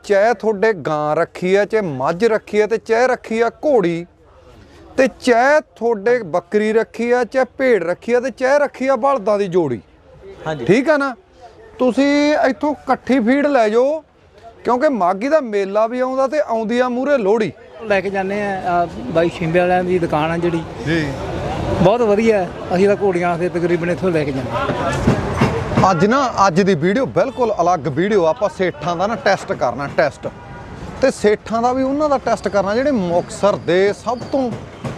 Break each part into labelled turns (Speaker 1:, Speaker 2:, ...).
Speaker 1: ਚਾਹੇ ਤੁਹਾਡੇ ਗਾਂ ਰੱਖੀ ਹੈ, ਚਾਹੇ ਮੱਝ ਰੱਖੀ ਹੈ, ਤੇ ਚਾਹੇ ਰੱਖੀ ਆ ਘੋੜੀ, ਤੇ ਚਾਹੇ ਤੁਹਾਡੇ ਬੱਕਰੀ ਰੱਖੀ ਆ, ਚਾਹੇ ਭੇਡ ਰੱਖੀ ਆ, ਤੇ ਚਾਹੇ ਰੱਖੀ ਆ ਬਲਦਾਂ ਦੀ ਜੋੜੀ। ਹਾਂਜੀ ਠੀਕ ਆ ਨਾ। ਤੁਸੀਂ ਇੱਥੋਂ ਇਕੱਠੀ ਫੀਡ ਲੈ ਜਾਓ, ਕਿਉਂਕਿ ਮਾਘੀ ਦਾ ਮੇਲਾ ਵੀ ਆਉਂਦਾ ਤੇ ਆਉਂਦੀ ਆ ਮੂਹਰੇ ਲੋਹੜੀ।
Speaker 2: ਲੈ ਕੇ ਜਾਂਦੇ ਆ ਬਾਈ ਸ਼ਿੰਬੇ ਵਾਲਿਆਂ ਦੀ ਦੁਕਾਨ ਆ ਜਿਹੜੀ ਜੀ, ਬਹੁਤ ਵਧੀਆ। ਅਸੀਂ ਤਾਂ ਘੋੜੀਆਂ ਤੇ ਤਕਰੀਬਨ ਇੱਥੋਂ ਲੈ ਕੇ ਜਾਂਦੇ।
Speaker 1: ਅੱਜ ਦੀ ਵੀਡੀਓ ਬਿਲਕੁਲ ਅਲੱਗ ਵੀਡੀਓ। ਆਪਾਂ ਸੇਠਾਂ ਦਾ ਨਾ ਟੈਸਟ ਕਰਨਾ, ਟੈਸਟ ਤੇ ਸੇਠਾਂ ਦਾ ਵੀ ਉਹਨਾਂ ਦਾ ਟੈਸਟ ਕਰਨਾ ਜਿਹੜੇ ਮੁਕਤਸਰ ਦੇ ਸਭ ਤੋਂ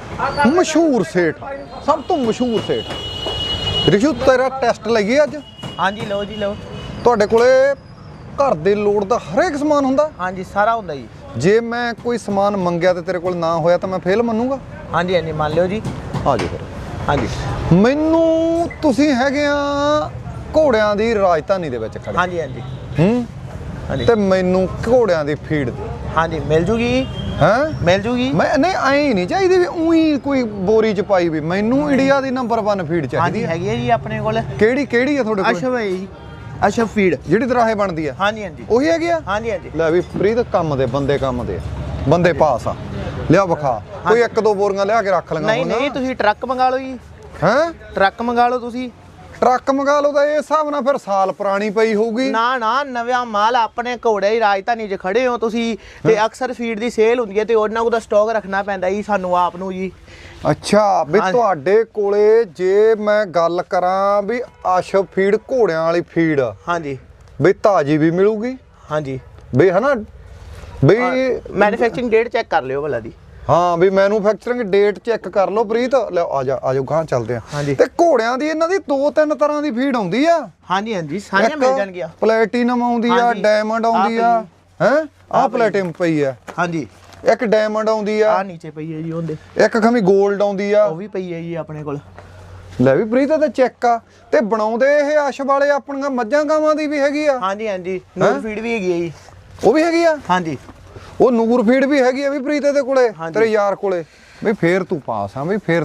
Speaker 1: ਮਸ਼ਹੂਰ ਸੇਠ, ਸਭ ਤੋਂ ਮਸ਼ਹੂਰ ਸੇਠ। ਰਿਸ਼ੂ ਤੇਰਾ ਟੈਸਟ ਲਈਏ ਅੱਜ?
Speaker 3: ਹਾਂਜੀ ਲਓ ਜੀ ਲਓ।
Speaker 1: ਤੁਹਾਡੇ ਕੋਲੇ ਘਰ ਦੇ ਲੋੜ ਦਾ ਹਰੇਕ ਸਮਾਨ ਹੁੰਦਾ?
Speaker 3: ਹਾਂਜੀ ਸਾਰਾ ਹੁੰਦਾ ਜੀ।
Speaker 1: ਜੇ ਮੈਂ ਕੋਈ ਸਮਾਨ ਮੰਗਿਆ ਤੇ ਤੇਰੇ ਕੋਲ ਨਾ ਹੋਇਆ ਤਾਂ ਮੈਂ ਫੇਲ ਮੰਨੂਗਾ?
Speaker 3: ਹਾਂਜੀ ਹਾਂਜੀ ਮੰਨ ਲਿਓ ਜੀ।
Speaker 1: ਆ ਜਾਓ ਫਿਰ।
Speaker 3: ਹਾਂਜੀ
Speaker 1: ਮੈਨੂੰ ਤੁਸੀਂ ਹੈਗੇ ਆ ਘੋੜਿਆਂ ਦੀ ਰਾਜਧਾਨੀ ਦੇ ਵਿੱਚ ਖੜੇ।
Speaker 3: ਹਾਂਜੀ ਹਾਂਜੀ
Speaker 1: ਹਾਂਜੀ ਤੇ ਮੈਨੂੰ ਘੋੜਿਆਂ ਦੀ ਫੀਡ ਦੇ।
Speaker 3: ਹਾਂਜੀ ਮਿਲ ਜੂਗੀ।
Speaker 1: ਹੈ
Speaker 3: ਮਿਲ ਜੂਗੀ।
Speaker 1: ਮੈਂ ਨਹੀਂ ਐਂ ਨਹੀਂ ਚਾਹੀਦੀ ਵੀ ਉਹੀ ਕੋਈ ਬੋਰੀ ਚ ਪਾਈ ਵੀ। ਮੈਨੂੰ ਇੰਡੀਆ ਦੀ ਨੰਬਰ 1 ਫੀਡ ਚਾਹੀਦੀ ਹੈ।
Speaker 3: ਹੈਗੀ ਹੈ ਜੀ ਆਪਣੇ ਕੋਲ।
Speaker 1: ਕਿਹੜੀ ਹੈ ਤੁਹਾਡੇ ਕੋਲ?
Speaker 3: ਅਸ਼ਵ ਹੈ ਜੀ, ਅਸ਼ਵ ਫੀਡ
Speaker 1: ਜਿਹੜੀ ਦਰਾਹੇ ਬਣਦੀ ਆ।
Speaker 3: ਹਾਂਜੀ ਹਾਂਜੀ
Speaker 1: ਉਹੀ ਹੈਗੀ ਆ।
Speaker 3: ਹਾਂਜੀ ਹਾਂਜੀ
Speaker 1: ਲੈ ਵੀ ਪ੍ਰੀਤ ਕੰਮ ਦੇ ਬੰਦੇ ਪਾਸ ਆ। ਲਿਆ ਵਿਖਾ ਕੋਈ 1-2 ਬੋਰੀਆਂ ਲਿਆ ਕੇ ਰੱਖ ਲਵਾਂਗਾ।
Speaker 3: ਨਹੀਂ ਤੁਸੀਂ ਟਰੱਕ ਮੰਗਾ ਲਓ ਜੀ।
Speaker 1: ਹੈ ਟਰੱਕ
Speaker 3: ਮੰਗਾ ਲਓ ਤੁਸੀਂ।
Speaker 1: ਟਰੱਕ ਮੰਗਾ ਲਓ ਤਾਂ ਇਹ ਹਿਸਾਬ ਨਾਲ ਫਿਰ ਸਾਲ ਪੁਰਾਣੀ ਪਈ ਹੋਊਗੀ।
Speaker 3: ਨਾ ਨਵਾਂ ਮਾਲ। ਆਪਣੇ ਘੋੜੇ ਦੀ ਰਾਜਧਾਨੀ 'ਚ ਖੜੇ ਹੋ ਤੁਸੀਂ ਤੇ ਅਕਸਰ ਫੀਡ ਦੀ ਸੇਲ ਹੁੰਦੀ ਹੈ ਤੇ ਉਹਨਾਂ ਕੋਲ ਸਟਾਕ ਰੱਖਣਾ ਪੈਂਦਾ ਜੀ ਸਾਨੂੰ ਆਪ ਨੂੰ ਜੀ।
Speaker 1: ਅੱਛਾ ਵੀ ਤੁਹਾਡੇ ਕੋਲੇ ਜੇ ਮੈਂ ਗੱਲ ਕਰਾਂ ਵੀ ਅਸ਼ਵ ਫੀਡ ਘੋੜਿਆਂ ਵਾਲੀ ਫੀਡ,
Speaker 3: ਹਾਂਜੀ
Speaker 1: ਵੀ ਤਾਜੀ ਵੀ ਮਿਲੂਗੀ?
Speaker 3: ਹਾਂਜੀ
Speaker 1: ਵੀ ਹਨਾ ਵੀ
Speaker 3: ਮੈਨੂਫੈਕਚਰਿੰਗ ਡੇਟ ਚੈੱਕ ਕਰ ਲਿਓ ਭਲਾ ਦੀ।
Speaker 1: ਹਾਂ ਵੀ ਮੈਨੂਫੈਕਚਰਿੰਗ ਡੇਟ ਚੈੱਕ ਕਰ ਲਓ ਪ੍ਰੀਤ। ਲੈ ਆ ਜਾਓ ਗਾਂ ਚੱਲਦੇ ਆ। ਤੇ ਘੋੜਿਆਂ ਦੀ ਇਹਨਾਂ ਦੀ 2-3 ਤਰ੍ਹਾਂ ਦੀ ਫੀਡ ਆਉਂਦੀ ਆ।
Speaker 3: ਹਾਂਜੀ ਸਾਰੀਆਂ ਮਿਲ ਜਾਣਗੀਆਂ।
Speaker 1: ਪਲੈਟੀਨਮ ਆਉਂਦੀ ਆ, ਡਾਇਮੰਡ ਆਉਂਦੀ ਆ। ਹੈ ਆਹ ਪਲੈਟੀਨਮ ਪਈ ਆ।
Speaker 3: ਹਾਂਜੀ
Speaker 1: ਇੱਕ ਡਾਇਮੰਡ ਆਉਂਦੀ ਆ।
Speaker 3: ਆ ਨੀਚੇ ਪਈ ਹੈ ਜੀ ਉਹਦੇ।
Speaker 1: ਇੱਕ ਖਮੀ 골ਡ ਆਉਂਦੀ ਆ।
Speaker 3: ਉਹ ਵੀ ਪਈ ਹੈ ਜੀ ਆਪਣੇ ਕੋਲ।
Speaker 1: ਲੈ ਵੀ ਪ੍ਰੀਤ ਤੇ ਚੈੱਕ ਆ। ਤੇ ਬਣਾਉਂਦੇ ਇਹ ਅਸ਼ ਵਾਲੇ ਆਪਣੀਆਂ ਮੱਝਾਂ ਗਾਵਾਂ ਦੀ ਵੀ ਹੈਗੀ ਆ?
Speaker 3: ਹਾਂਜੀ ਨੂਰ ਫੀਡ ਵੀ ਹੈਗੀ ਹੈ ਜੀ।
Speaker 1: ਉਹ ਵੀ ਹੈਗੀ ਆ?
Speaker 3: ਹਾਂਜੀ
Speaker 1: ਉਹ ਨੂਰ ਫੀਡ ਵੀ ਹੈਗੀ ਆ ਵੀ ਪ੍ਰੀਤ ਦੇ ਕੋਲੇ, ਤੇਰੇ ਯਾਰ ਕੋਲੇ? ਵੀ ਫੇਰ ਤੂੰ ਪਾਸ ਆ ਵੀ ਫੇਰ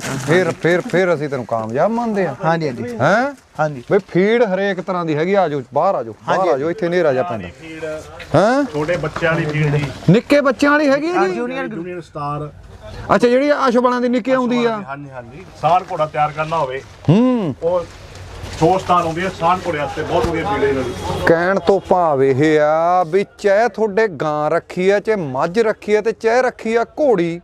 Speaker 1: ਅਸੀਂ ਤੈਨੂੰ ਕਾਮਯਾਬ ਮੰਨਦੇ ਆ।
Speaker 3: ਹਾਂਜੀ
Speaker 1: ਹੈ
Speaker 3: ਹਾਂਜੀ
Speaker 1: ਵੀ ਫੀਡ ਹਰੇਕ ਤਰ੍ਹਾਂ ਦੀ ਹੈਗੀ। ਆ ਜਾਓ ਬਾਹਰ ਆ ਜਾਓ ਇੱਥੇ ਹਨੇਰਾ ਜਾ ਪੈਂਦਾ। ਹੈ
Speaker 4: ਛੋਟੇ ਬੱਚਿਆਂ ਵਾਲੀ ਫੀਡ ਜੀ,
Speaker 1: ਨਿੱਕੇ ਬੱਚਿਆਂ ਵਾਲੀ ਹੈਗੀ ਆ ਜੀ?
Speaker 4: Junior star.
Speaker 1: ਅੱਛਾ ਜਿਹੜੀ ਅਸ਼ਵਾਲਾਂ ਦੀ ਨਿੱਕੀ ਆਉਂਦੀ ਆ?
Speaker 4: ਹਾਂਜੀ ਸਾਲ ਘੋੜਾ ਤਿਆਰ ਕਰਨਾ ਹੋਵੇ ਉਹ 100 ਸਟਾਰ ਆਉਂਦੀ ਹੈ। ਸਾਲ ਘੋੜੇ ਵਾਸਤੇ ਬਹੁਤ ਵਧੀਆ ਫੀਡ ਹੈ ਇਹਨਾਂ ਦੀ।
Speaker 1: ਕਹਿਣ ਤੋਂ ਭਾਵ ਇਹ ਆ ਵੀ ਚਾਹੇ ਤੁਹਾਡੇ ਗਾਂ ਰੱਖੀ ਆ, ਚਾਹੇ ਮੱਝ ਰੱਖੀ ਆ, ਤੇ ਚਾਹੇ ਰੱਖੀ ਆ ਘੋੜੀ,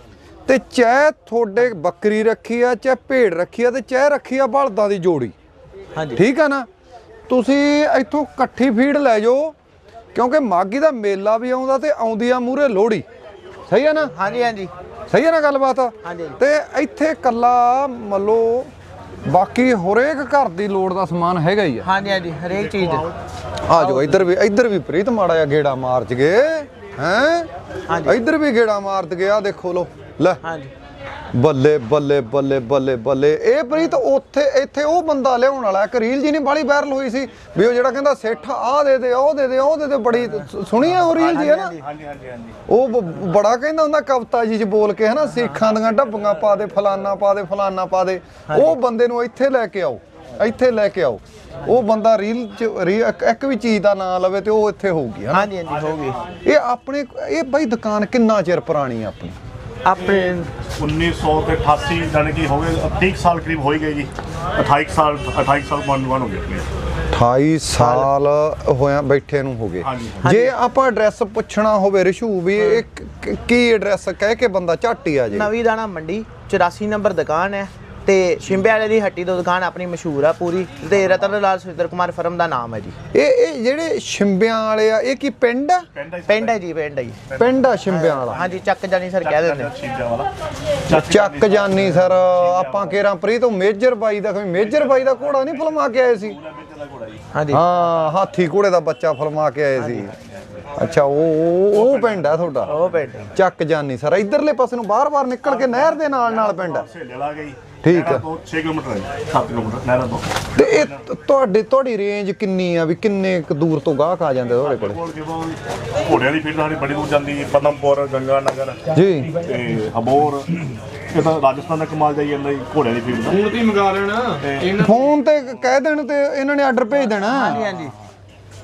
Speaker 1: ਤੇ ਚਾਹੇ ਤੁਹਾਡੇ ਬੱਕਰੀ ਰੱਖੀ ਆ, ਚਾਹੇ ਭੇਡ ਰੱਖੀ ਆ, ਤੇ ਚਾਹੇ ਰੱਖੀ ਆ ਬਲਦਾਂ ਦੀ ਜੋੜੀ। ਹਾਂਜੀ ਠੀਕ ਆ ਨਾ। ਤੁਸੀਂ ਇੱਥੋਂ ਇਕੱਠੀ ਫੀਡ ਲੈ ਜਾਓ, ਕਿਉਂਕਿ ਮਾਘੀ ਦਾ ਮੇਲਾ ਵੀ ਆਉਂਦਾ ਤੇ ਆਉਂਦੀ ਆ ਮੂਹਰੇ ਲੋਹੜੀ। ਸਹੀ ਆ ਨਾ?
Speaker 3: ਹਾਂਜੀ
Speaker 1: ਸਹੀ ਆ ਨਾ ਗੱਲਬਾਤ? ਤੇ ਇੱਥੇ ਕੱਲਾ ਮੰਨੋ ਬਾਕੀ ਹਰੇਕ ਘਰ ਦੀ ਲੋੜ ਦਾ ਸਮਾਨ ਹੈਗਾ ਹੀ ਆ।
Speaker 3: ਹਾਂਜੀ ਹਰੇਕ ਚੀਜ਼।
Speaker 1: ਆ ਜਾਓ ਇੱਧਰ ਵੀ ਪ੍ਰੀਤ ਮਾੜਾ ਜਿਹਾ ਗੇੜਾ ਮਾਰ ਜਗੇ। ਹੈ ਇੱਧਰ ਵੀ ਗੇੜਾ ਮਾਰ ਦਗੇ। ਆ ਦੇਖੋ ਲੋ ਲੈ। ਹਾਂਜੀ ਬੱਲੇ। ਇਹ ਪ੍ਰੀਤ ਇੱਥੇ ਉਹ ਬੰਦਾ ਲਿਆਉਣ ਵਾਲਾ ਇੱਕ ਰੀਲ ਜੀ ਨਹੀਂ ਬਾਲੀ ਵਾਇਰਲ ਹੋਈ ਸੀ ਵੀ ਉਹ ਜਿਹੜਾ ਕਹਿੰਦਾ ਸੇਠਾ ਆਹ ਦੇ ਦੇ ਉਹ ਦੇ ਦੇ ਬੜੀ ਸੁਣੀ ਆ ਉਹ ਰੀਲ ਜੀ ਹੈ ਨਾ? ਉਹ ਬੜਾ ਕਹਿੰਦਾ ਹੁੰਦਾ ਕਵਿਤਾ ਜੀ ਚ ਬੋਲ ਕੇ ਹਨਾ, ਸਿੱਖਾਂ ਦੀਆਂ ਢੱਬੀਆਂ ਪਾ ਦੇ, ਫਲਾਨਾ ਪਾ ਦੇ। ਉਹ ਬੰਦੇ ਨੂੰ ਇੱਥੇ ਲੈ ਕੇ ਆਓ। ਉਹ ਬੰਦਾ ਰੀਲ ਚ ਇੱਕ ਵੀ ਚੀਜ਼ ਦਾ ਨਾਂ ਲਵੇ ਤੇ ਉਹ ਇੱਥੇ ਹੋਊਗੀ।
Speaker 3: ਹਾਂਜੀ ਹੋਊਗੀ।
Speaker 1: ਇਹ ਬਾਈ ਦੁਕਾਨ ਕਿੰਨਾ ਚਿਰ ਪੁਰਾਣੀ ਆ ਆਪਣੀ?
Speaker 3: ਆਪਣੇ
Speaker 4: 1988 ਜਾਨੀ ਕਿ ਹੋ ਗਏ 30 ਸਾਲ ਕਰੀਬ ਹੋ ਹੀ ਗਏ ਜੀ। 28 ਸਾਲ ਬਣ ਹੋ ਗਏ ਆਪਣੇ।
Speaker 1: 28 ਸਾਲ ਹੋਇਆ ਬੈਠੇ ਨੂੰ ਹੋ ਗਏ। ਜੇ ਆਪਾਂ ਐਡਰੈਸ ਪੁੱਛਣਾ ਹੋਵੇ ਰਿਸ਼ੂ ਵੀ ਇਹ ਕੀ ਐਡਰੈਸ ਕਹਿ ਕੇ ਬੰਦਾ ਝੱਟ ਹੀ ਆ ਜੇ?
Speaker 3: ਨਵੀਂ ਦਾਣਾ ਮੰਡੀ 84 ਨੰਬਰ ਦੁਕਾਨ ਹੈ ਤੇ ਸ਼ਿੰਬੇ ਵਾਲੇ ਦੀ ਹੱਟੀ ਤੋਂ ਦੁਕਾਨ ਆਪਣੀ ਮਸ਼ਹੂਰ ਆ ਪੂਰੀ ਤੇ ਰਤਨ ਲਾਲ ਸੁਰਿੰਦਰ ਕੁਮਾਰ ਫਰਮ ਦਾ ਨਾਮ ਹੈ ਜੀ। ਇਹ
Speaker 1: ਜਿਹੜੇ ਸ਼ਿੰਬਿਆਂ ਵਾਲੇ ਆ ਇਹ ਕੀ ਪਿੰਡ ਆ?
Speaker 3: ਪਿੰਡ ਹੈ ਜੀ।
Speaker 1: ਪਿੰਡ ਆ ਸ਼ਿੰਬਿਆਂ ਵਾਲਾ?
Speaker 3: ਹਾਂਜੀ ਚੱਕ ਜਾਨੀ ਸਰ ਕਹਿ ਦਿੰਦੇ।
Speaker 1: ਚੱਕ ਜਾਨੀ ਸਰ। ਆਪਾਂ ਕੇਰਾਂ ਪ੍ਰੀਤ ਤੋਂ ਮੇਜਰ ਬਾਈ ਦਾ ਘੋੜਾ ਨਹੀਂ ਫਲਮਾ ਕੇ ਆਏ ਸੀ?
Speaker 3: ਹਾਂਜੀ
Speaker 1: ਹਾਂ ਹਾਥੀ ਘੋੜੇ ਦਾ ਬੱਚਾ ਫਲਮਾ ਕੇ ਆਏ ਸੀ। ਅੱਛਾ ਉਹ ਪਿੰਡ ਆ ਤੁਹਾਡਾ? ਉਹ ਪਿੰਡ ਚੱਕ ਜਾਨੀ ਸਰ। ਇਧਰਲੇ ਪਾਸੇ ਨੂੰ ਬਾਰ-ਬਾਰ ਨਿਕਲ ਕੇ ਨਹਿਰ ਦੇ ਨਾਲ ਪਿੰਡ ਆ। ਠੀਕ ਆ।
Speaker 4: 6 ਕਿਲੋਮੀਟਰ ਹੈ 7 ਕਿਲੋਮੀਟਰ ਨਹਿਰਾਂ ਤੋਂ।
Speaker 1: ਤੇ ਇਹ ਤੁਹਾਡੀ ਰੇਂਜ ਕਿੰਨੀ ਆ ਵੀ ਕਿੰਨੇ ਕੁ ਦੂਰ ਤੋਂ ਗਾਹਕ ਆ ਜਾਂਦੇ ਤੁਹਾਡੇ ਕੋਲੇ?
Speaker 4: ਘੋੜਿਆਂ ਦੀ ਫੀਡ ਸਾਡੀ ਬੜੀ ਦੂਰ ਜਾਂਦੀ ਹੈ। ਪਦਮਪੁਰ, ਗੰਗਾ ਨਗਰ ਜੀ ਤੇ ਅਬੋਰ। ਇਹ ਤਾਂ ਰਾਜਸਥਾਨ ਦਾ ਕਮਾਲ ਜਾਈ ਜਾਂਦਾ ਜੀ ਘੋੜਿਆਂ ਦੀ ਫੀਡ ਦਾ।
Speaker 2: ਫੋਨ ਤੇ ਮੰਗਾ ਲੈਣਾ,
Speaker 1: ਫੋਨ ਤੇ ਕਹਿ ਦੇਣ ਤੇ ਇਹਨਾਂ ਨੇ ਆਰਡਰ ਭੇਜ ਦੇਣਾ।
Speaker 3: ਹਾਂਜੀ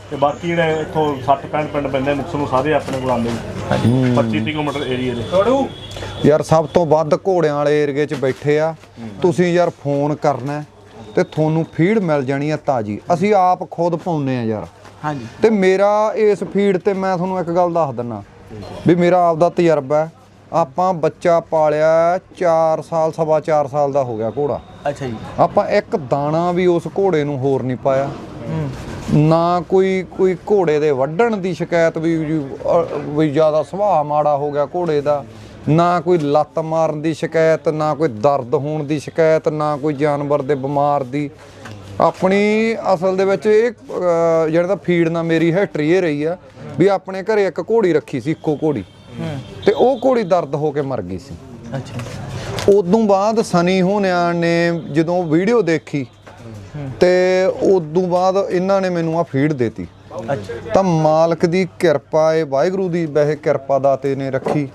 Speaker 4: ਤੇ ਬਾਕੀ ਜਿਹੜੇ ਇੱਥੋਂ 60-65 ਪਿੰਡ ਪੈਂਦੇ ਮੁਕਤਸਰ ਨੂੰ ਸਾਰੇ ਆਪਣੇ ਕੋਲ ਆਉਂਦੇ ਨੇ 25-30 ਕਿਲੋਮੀਟਰ ਏਰੀਆ ਦੇ।
Speaker 1: ਯਾਰ ਸਭ ਤੋਂ ਵੱਧ ਘੋੜਿਆਂ ਵਾਲੇ ਏਰੀਏ 'ਚ ਬੈਠੇ ਆ ਤੁਸੀਂ ਯਾਰ ਫੋਨ ਕਰਨਾ ਤੇ ਤੁਹਾਨੂੰ ਫੀਡ ਮਿਲ ਜਾਣੀ ਆ ਤਾਜੀ। ਅਸੀਂ ਆਪ ਖੁਦ ਪਾਉਂਦੇ ਆ ਯਾਰ।
Speaker 3: ਹਾਂਜੀ।
Speaker 1: ਤੇ ਮੇਰਾ ਇਸ ਫੀਡ ਤੇ ਮੈਂ ਤੁਹਾਨੂੰ ਇੱਕ ਗੱਲ ਦੱਸ ਦਿੰਨਾ ਵੀ ਮੇਰਾ ਆਪ ਦਾ ਤਜਰਬਾ ਹੈ। ਆਪਾਂ ਬੱਚਾ ਪਾਲਿਆ 4 ਸਾਲ ਸਵਾ 4 ਸਾਲ ਦਾ ਹੋ ਗਿਆ ਘੋੜਾ।
Speaker 3: ਅੱਛਾ ਜੀ।
Speaker 1: ਆਪਾਂ ਇੱਕ ਦਾਣਾ ਵੀ ਉਸ ਘੋੜੇ ਨੂੰ ਹੋਰ ਨਹੀਂ ਪਾਇਆ। ਨਾ ਕੋਈ ਘੋੜੇ ਦੇ ਵੱਢਣ ਦੀ ਸ਼ਿਕਾਇਤ ਵੀ ਜ਼ਿਆਦਾ ਸੁਭਾਅ ਮਾੜਾ ਹੋ ਗਿਆ ਘੋੜੇ ਦਾ, ਨਾ ਕੋਈ ਲੱਤ ਮਾਰਨ ਦੀ ਸ਼ਿਕਾਇਤ, ਨਾ ਕੋਈ ਦਰਦ ਹੋਣ ਦੀ ਸ਼ਿਕਾਇਤ, ਨਾ ਕੋਈ ਜਾਨਵਰ ਦੇ ਬਿਮਾਰ ਦੀ। ਆਪਣੀ ਅਸਲ ਦੇ ਵਿੱਚ ਇਹ ਜਿਹੜਾ ਤਾਂ ਫੀਡ ਨਾਲ ਮੇਰੀ ਹਿਸਟਰੀ ਇਹ ਰਹੀ ਆ ਵੀ ਆਪਣੇ ਘਰੇ ਇੱਕ ਘੋੜੀ ਰੱਖੀ ਸੀ, ਇੱਕੋ ਘੋੜੀ, ਤੇ ਉਹ ਘੋੜੀ ਦਰਦ ਹੋ ਕੇ ਮਰ ਗਈ ਸੀ।
Speaker 3: ਅੱਛਾ।
Speaker 1: ਉਦੋਂ ਬਾਅਦ ਸਨੀ ਹੋਣਿਆਂ ਨੇ ਜਦੋਂ ਵੀਡੀਓ ਦੇਖੀ ਤੇ ਉਦੋਂ ਬਾਅਦ ਇਹਨਾਂ ਨੇ ਮੈਨੂੰ ਆ ਫੀਡ ਦੇਤੀ। ਤਾਂ ਮਾਲਕ ਦੀ ਕਿਰਪਾ ਹੈ, ਵਾਹਿਗੁਰੂ ਦੀ ਵੈਸੇ ਕਿਰਪਾ ਦਾਤੇ ਨੇ ਰੱਖੀ।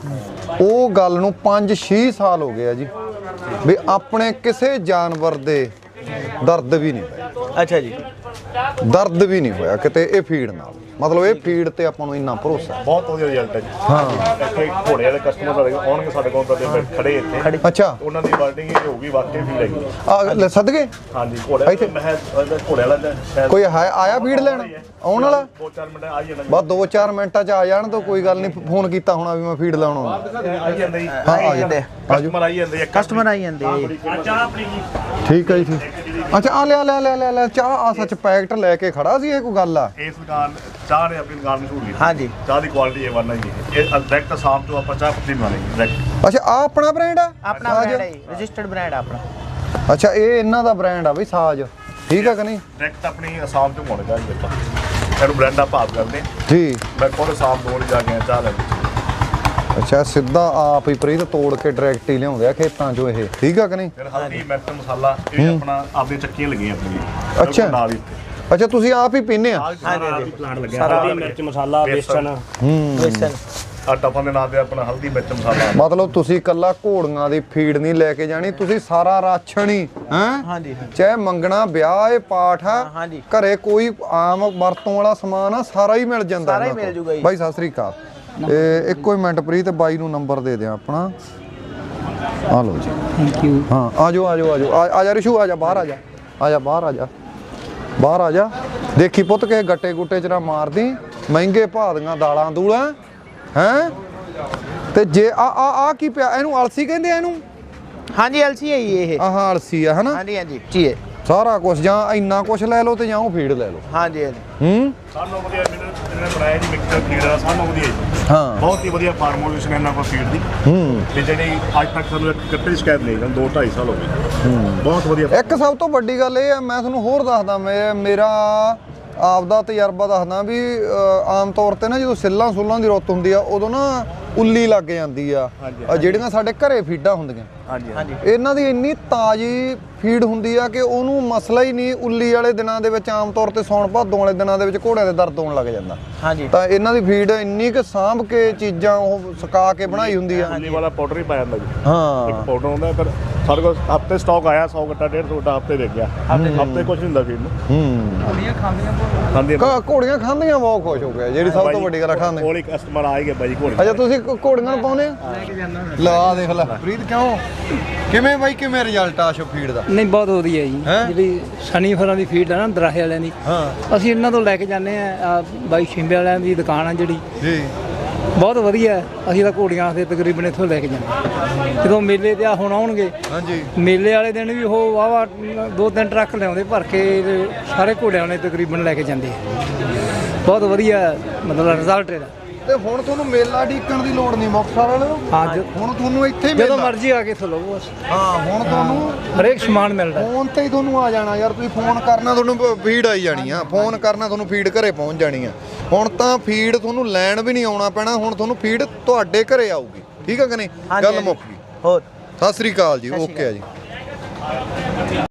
Speaker 1: ਉਹ ਗੱਲ ਨੂੰ 5-6 ਸਾਲ ਹੋ ਗਏ ਆ ਜੀ ਵੀ ਆਪਣੇ ਕਿਸੇ ਜਾਨਵਰ ਦੇ ਦਰਦ ਵੀ ਨਹੀਂ ਹੋਇਆ।
Speaker 3: ਅੱਛਾ ਜੀ।
Speaker 1: ਦਰਦ ਵੀ ਨਹੀਂ ਹੋਇਆ ਕਿਤੇ ਇਹ ਫੀਡ ਨਾਲ। ਮਤਲਬ ਇਹ ਫੀਡ ਤੇ ਆਪਾਂ ਨੂੰ ਇੰਨਾ ਭਰੋਸਾ ਹੈ।
Speaker 4: ਬਹੁਤ ਵਧੀਆ ਰਿਜ਼ਲਟ ਹੈ ਜੀ।
Speaker 1: ਹਾਂ।
Speaker 4: ਇੱਥੇ ਘੋੜੇ ਵਾਲੇ ਕਸਟਮਰ ਸਾਡੇ ਕੋਲ ਆਉਣਗੇ, ਸਾਡੇ ਕੋਲ ਕਦੇ ਖੜੇ ਇੱਥੇ।
Speaker 1: ਅੱਛਾ।
Speaker 4: ਉਹਨਾਂ ਦੀ ਵਰਡਿੰਗ ਇਹ ਹੋਊਗੀ ਵਾਕਈ ਫੀਡ ਹੈਗੀ।
Speaker 1: ਆ ਲੈ ਸਦਗੇ।
Speaker 4: ਹਾਂਜੀ ਘੋੜੇ
Speaker 1: ਇੱਥੇ
Speaker 4: ਮੈਂ ਘੋੜੇ ਵਾਲਾ ਦਾ
Speaker 1: ਕੋਈ ਹੈ ਆਇਆ ਫੀਡ ਲੈਣ ਆਉਣ ਵਾਲਾ?
Speaker 4: 2-4 ਮਿੰਟ ਆ ਜਾਣਾ।
Speaker 1: ਬਸ 2-4 ਮਿੰਟਾਂ 'ਚ ਆ ਜਾਣ ਤਾਂ ਕੋਈ ਗੱਲ ਨਹੀਂ। ਫੋਨ ਕੀਤਾ ਹੋਣਾ ਵੀ ਮੈਂ ਫੀਡ ਲਾਉਣ ਆਉਣਾ।
Speaker 4: ਆਈ ਜਾਂਦੇ ਜੀ।
Speaker 1: ਹਾਂ ਆ ਜਾਂਦੇ।
Speaker 4: ਕਸਟਮਰ ਆਈ ਜਾਂਦੇ।
Speaker 3: ਕਸਟਮਰ ਆਈ ਜਾਂਦੇ।
Speaker 4: ਚਾਹ ਆਪਣੀ ਜੀ।
Speaker 1: ਠੀਕ ਹੈ ਜੀ ਠੀਕ। ਅੱਛਾ ਆ ਲੈ ਚਾਹ ਆ ਸੱਚ ਪੈਕਟ ਲੈ ਕੇ ਖੜਾ ਸੀ। ਇਹ ਕੋਈ ਗੱਲ ਆ?
Speaker 4: ਇਸ ਦੁਕਾਨ ਚਾਹ ਨੇ ਆਪਣੀ ਦੁਕਾਨ ਮਸ਼ਹੂਰ ਕੀਤੀ।
Speaker 3: ਹਾਂਜੀ।
Speaker 4: ਚਾਹ ਦੀ ਕੁਆਲਿਟੀ A1 ਹੈ ਜੀ। ਇਹ ਡਾਇਰੈਕਟ ਸ਼ਾਮ ਤੋਂ ਆਪਾਂ ਚਾਹ ਪੱਤੀ ਬਣਾਣੀ ਡਾਇਰੈਕਟ।
Speaker 1: ਅੱਛਾ ਆ ਆਪਣਾ ਬ੍ਰਾਂਡ ਆ?
Speaker 3: ਆਪਣਾ ਬ੍ਰਾਂਡ ਹੈ, ਰਜਿਸਟਰਡ ਬ੍ਰਾਂਡ ਆਪਣਾ।
Speaker 1: ਅੱਛਾ ਇਹ ਇਹਨਾਂ ਦਾ ਬ੍ਰਾਂਡ ਆ ਬਈ ਸਾਜ। ਠੀਕ ਆ ਕਿ ਨਹੀਂ?
Speaker 4: ਡਾਇਰੈਕਟ ਆਪਣੀ ਅਸਾਮ ਤੋਂ ਮੋੜੇਗਾ ਜੀ ਆਪਾਂ। ਇਹਨੂੰ ਬ੍ਰਾਂਡ ਆ ਭਾਵ ਕਰਦੇ
Speaker 1: ਜੀ।
Speaker 4: ਮੈਂ ਖੁਦ ਅਸਾਮ ਤੋਂ ਜਾ ਕੇ ਚਾਹ ਲੈ ਕੇ।
Speaker 1: ਅੱਛਾ ਸਿੱਧਾ ਆਪ ਹੀ ਪ੍ਰੀਤ ਤੋੜ ਕੇ ਡਾਇਰੈਕਟ ਹੀ ਲਿਆਉਂਦੇ ਆ ਖੇਤਾਂ 'ਚੋਂ ਇਹ। ਠੀਕ ਆ ਕਿ ਨਹੀਂ?
Speaker 4: ਫਿਰ ਹਲਦੀ ਮਿਰਚ ਮਸਾਲਾ ਇਹ ਆਪਣਾ ਆਪਣੀ ਚੱਕੀਆਂ ਲੱਗੀਆਂ ਆਪਣੀਆਂ।
Speaker 1: ਅੱਛਾ।
Speaker 4: ਨਾਲ ਹੀ
Speaker 1: ਅੱਛਾ ਤੁਸੀਂ ਆਪ ਹੀ ਪੀਂਦੇ ਆ?
Speaker 4: ਹਾਂਜੀ ਪਲਾਂਟ ਲੱਗਿਆ।
Speaker 5: ਹਲਦੀ ਮਿਰਚ ਮਸਾਲਾ ਬੇਸਣ
Speaker 3: ਵੇਸਨ
Speaker 4: ਆ ਟਫਨ ਦੇ ਨਾਂ ਤੇ ਆਪਣਾ ਹਲਦੀ ਮਿਰਚ ਮਸਾਲਾ।
Speaker 1: ਮਤਲਬ ਤੁਸੀਂ ਕੱਲਾ ਘੋੜੀਆਂ ਦੀ ਫੀਡ ਨਹੀਂ ਲੈ ਕੇ ਜਾਣੀ, ਤੁਸੀਂ ਸਾਰਾ ਰਾਸ਼ਨ ਹੀ ਹੈ।
Speaker 3: ਹਾਂਜੀ।
Speaker 1: ਚਾਹੇ ਮੰਗਣਾ ਵਿਆਹ ਇਹ ਪਾਠ ਆ,
Speaker 3: ਹਾਂਜੀ।
Speaker 1: ਘਰੇ ਕੋਈ ਆਮ ਵਰਤੋਂ ਵਾਲਾ ਸਮਾਨ ਆ ਸਾਰਾ ਹੀ ਮਿਲ ਜਾਂਦਾ।
Speaker 3: ਸਾਰਾ ਹੀ
Speaker 1: ਇਹਨਾਂ
Speaker 3: ਮਿਲ
Speaker 1: ਕੋਲ।
Speaker 3: ਜੂਗਾ ਜੀ।
Speaker 1: ਬਾਈ ਸਤਿ ਸ੍ਰੀ ਅਕਾਲ। ਇਹ ਇੱਕੋ ਹੀ ਮਿੰਟ ਪ੍ਰੀਤ ਬਾਈ ਨੂੰ ਨੰਬਰ ਦੇ ਦਿਆਂ ਆਪਣਾ। ਆ ਲਓ ਜੀ।
Speaker 2: Thank you.
Speaker 1: ਹਾਂ ਆ ਜਾ ਰਿਸ਼ੂ ਆ ਜਾ ਬਾਹਰ ਆ ਜਾ ਬਾਹਰ ਆ ਜਾ। ਦੇਖੀ ਪੁੱਤ ਕੇ ਗੱਟੇ ਗੁੱਟੇ ਚ ਨਾ ਮਾਰਦੀ। ਮਹਿੰਗੇ ਭਾਅ ਦੀਆਂ ਦਾਲਾਂ ਦੂਲਾਂ ਹੈ। ਤੇ ਜੇ ਆ ਕੀ ਪਿਆ ਇਹਨੂੰ? ਅਲਸੀ ਕਹਿੰਦੇ ਆ ਇਹਨੂੰ?
Speaker 3: ਹਾਂਜੀ ਐਲਸੀ ਹੈ ਜੀ ਇਹ।
Speaker 1: ਆਹ ਅਲਸੀ ਆ ਹਨਾ?
Speaker 3: ਹਾਂਜੀ ਜੀ ਹੈ
Speaker 1: ਸਾਰਾ ਕੁਝ ਜਾਂ ਇੰਨਾ ਕੁਝ ਲੈ ਲਓ ਤੇ ਜਾਂ ਉਹ ਫੀਡ ਲੈ ਲਓ।
Speaker 3: ਹਾਂਜੀ।
Speaker 4: ਸਾਨੂੰ ਵਧੀਆ ਜਿਹਨੇ ਬਣਾਇਆ ਜੀ ਮਿਕਸਰ ਫੀਡ ਦਾ ਸਾਨੂੰ ਵਧੀਆ ਜੀ।
Speaker 1: ਹਾਂ
Speaker 4: ਬਹੁਤ ਹੀ ਵਧੀਆ ਫਾਰਮੂਲੇਸ਼ਨ ਇਹਨਾਂ ਕੋਲ ਫੀਡ ਦੀ। ਤੇ ਜਿਹੜੀ ਅੱਜ ਤੱਕ ਸਾਨੂੰ ਇੱਕ ਕੱਟੇ ਸ਼ਿਕਾਇਤ ਨਹੀਂ, 2-2.5 ਸਾਲ ਹੋ ਗਏ। ਬਹੁਤ ਵਧੀਆ।
Speaker 1: ਇੱਕ ਸਭ ਤੋਂ ਵੱਡੀ ਗੱਲ ਇਹ ਆ, ਮੈਂ ਤੁਹਾਨੂੰ ਹੋਰ ਦੱਸਦਾ, ਮੇਰਾ ਆਪਦਾ ਤਜਰਬਾ ਦੱਸਦਾ ਵੀ ਆਮ ਤੌਰ ਤੇ ਨਾ ਜਦੋਂ ਸਿੱਲਾਂ ਸੁੱਲਾਂ ਦੀ ਰੁੱਤ ਹੁੰਦੀ ਆ ਉਦੋਂ ਨਾ ਉੱਲੀ ਲੱਗ ਜਾਂਦੀ ਆ। ਜਿਹੜੀਆਂ ਸਾਡੇ ਘਰੇ ਫੀਡਾਂ ਹੁੰਦੀਆਂ
Speaker 3: ਹਾਂਜੀ
Speaker 1: ਇਹਨਾਂ ਦੀ ਇੰਨੀ ਤਾਜ਼ੀ ਫੀਡ ਹੁੰਦੀ ਆ ਕਿ ਉਹਨੂੰ ਮਸਲਾ ਹੀ ਨਹੀਂ। ਉੱਲੀ ਵਾਲੇ ਦਿਨਾਂ ਦੇ ਵਿੱਚ ਆਮ ਤੌਰ ਤੇ ਸੌਣ ਭਾਦੋਂ ਵਾਲੇ ਦਿਨਾਂ ਦੇ ਵਿੱਚ ਘੋੜਿਆਂ ਦੇ ਦਰਦ ਹੋਣ ਲੱਗ ਜਾਂਦਾ।
Speaker 3: ਹਾਂਜੀ।
Speaker 1: ਤਾਂ ਇਹਨਾਂ ਦੀ ਫੀਡ ਇੰਨੀ ਕਿ ਸਾਂਭ ਕੇ ਚੀਜ਼ਾਂ ਉਹ ਸੁਕਾ ਕੇ ਬਣਾਈ ਹੁੰਦੀ ਆ।
Speaker 4: ਉੱਲੀ ਵਾਲਾ ਪਾਊਡਰ ਹੀ ਪਾਇਆ ਜਾਂਦਾ ਜੀ।
Speaker 1: ਹਾਂ
Speaker 4: ਇੱਕ ਪਾਊਡਰ ਹੁੰਦਾ। ਫਿਰ ਸਾਡੇ ਕੋਲ ਹਫਤੇ ਸਟਾਕ ਆਇਆ 100 ਗੱਟਾ 150 ਗੱਟਾ ਹਫਤੇ ਦੇ ਗਿਆ। ਹਫਤੇ ਕੁਝ ਨਹੀਂ ਹੁੰਦਾ ਫੀਡ ਨੂੰ।
Speaker 2: ਘੋੜੀਆਂ ਖਾਂਦੀਆਂ
Speaker 4: ਖਾਂਦੇ
Speaker 1: ਘੋੜੀਆਂ ਖਾਂਦੀਆਂ ਬਹੁਤ ਖੁਸ਼ ਹੋ ਗਏ। ਜਿਹੜੀ ਸਭ ਤੋਂ ਵੱਡੀ ਗੱਲ ਆ ਖਾਂਦੇ।
Speaker 4: ਕੋਲ ਇੱਕ ਕਸਟਮਰ ਆ ਹੀ ਗਿਆ ਬਾਈ ਘੋੜੇ।
Speaker 1: ਅੱਛਾ ਤੁਸੀਂ ਘੋੜੀਆਂ ਨੂੰ ਪਾਉਨੇ ਆ? ਲਾ ਦੇਖ ਲੈ ਪ੍ਰੀਤ ਕਿਉਂ ਕਿਵੇਂ ਬਾਈ ਕਿਵੇਂ ਰਿਜ਼ਲਟ ਆ ਫੀਡ ਦਾ?
Speaker 2: ਨਹੀਂ ਬਹੁਤ ਵਧੀਆ ਜੀ। ਜਿਹੜੀ ਸਨੀ ਫਰਾਂ ਦੀ ਫੀਡ ਆ ਨਾ ਦਰਾਹੇ ਵਾਲਿਆਂ ਦੀ, ਅਸੀਂ ਇਹਨਾਂ ਤੋਂ ਲੈ ਕੇ ਜਾਂਦੇ ਆ। ਬਾਈ ਸ਼ਿੰਬੇ ਵਾਲਿਆਂ ਦੀ ਦੁਕਾਨ ਆ ਜਿਹੜੀ
Speaker 1: ਜੀ,
Speaker 2: ਬਹੁਤ ਵਧੀਆ। ਅਸੀਂ ਤਾਂ ਘੋੜੀਆਂ ਤੇ ਤਕਰੀਬਨ ਇੱਥੋਂ ਲੈ ਕੇ ਜਾਂਦੇ। ਜਦੋਂ ਮੇਲੇ ਤੇ ਹੁਣ ਆਉਣਗੇ,
Speaker 1: ਹਾਂਜੀ
Speaker 2: ਮੇਲੇ ਵਾਲੇ ਦਿਨ ਵੀ ਉਹ ਵਾਵਾ 2-3 ਟਰੱਕ ਲਿਆਉਂਦੇ ਭਰ ਕੇ ਤੇ ਸਾਰੇ ਘੋੜਿਆਂ ਨੇ ਤਕਰੀਬਨ ਲੈ ਕੇ ਜਾਂਦੇ ਆ। ਬਹੁਤ ਵਧੀਆ ਮਤਲਬ ਰਿਜ਼ਲਟ ਇਹਦਾ।
Speaker 1: ਤੇ ਹੁਣ ਤੁਹਾਨੂੰ ਮੇਲਾ ਢੀਕਣ ਦੀ ਲੋੜ ਨਹੀਂ ਮੁਕਤਸਰ ਵਾਲਿਓ।
Speaker 2: ਹਾਂ
Speaker 1: ਹੁਣ ਤੁਹਾਨੂੰ ਇੱਥੇ ਹੀ
Speaker 2: ਜਦੋਂ
Speaker 1: ਮੇਲਾ।
Speaker 2: ਮਰਜ਼ੀ ਆ ਕੇ ਇੱਥੋਂ ਲਓ ਬਸ।
Speaker 1: ਹਾਂ ਹੁਣ ਤੁਹਾਨੂੰ
Speaker 2: ਹਰੇਕ ਸਮਾਨ ਮਿਲਦਾ।
Speaker 1: ਫੋਨ ਤੇ ਹੀ ਤੁਹਾਨੂੰ ਆ ਜਾਣਾ ਯਾਰ। ਤੁਸੀਂ ਫੋਨ ਕਰਨਾ ਤੁਹਾਨੂੰ ਫੀਡ ਆਈ ਜਾਣੀ ਆ। ਫੋਨ ਕਰਨਾ ਤੁਹਾਨੂੰ ਫੀਡ ਘਰੇ ਪਹੁੰਚ ਜਾਣੀ ਆ। ਹੁਣ ਤਾਂ ਫੀਡ ਤੁਹਾਨੂੰ ਲੈਣ ਵੀ ਨਹੀਂ ਆਉਣਾ ਪੈਣਾ। ਹੁਣ ਤੁਹਾਨੂੰ ਫੀਡ ਤੁਹਾਡੇ ਘਰੇ ਆਊਗੀ। ਠੀਕ ਆ ਕਿ ਨਹੀਂ? ਗੱਲ ਮੁੱਕ ਗਈ।
Speaker 3: ਹੋਰ
Speaker 1: ਸਤਿ ਸ੍ਰੀ ਅਕਾਲ ਜੀ। ਓਕੇ ਆ ਜੀ।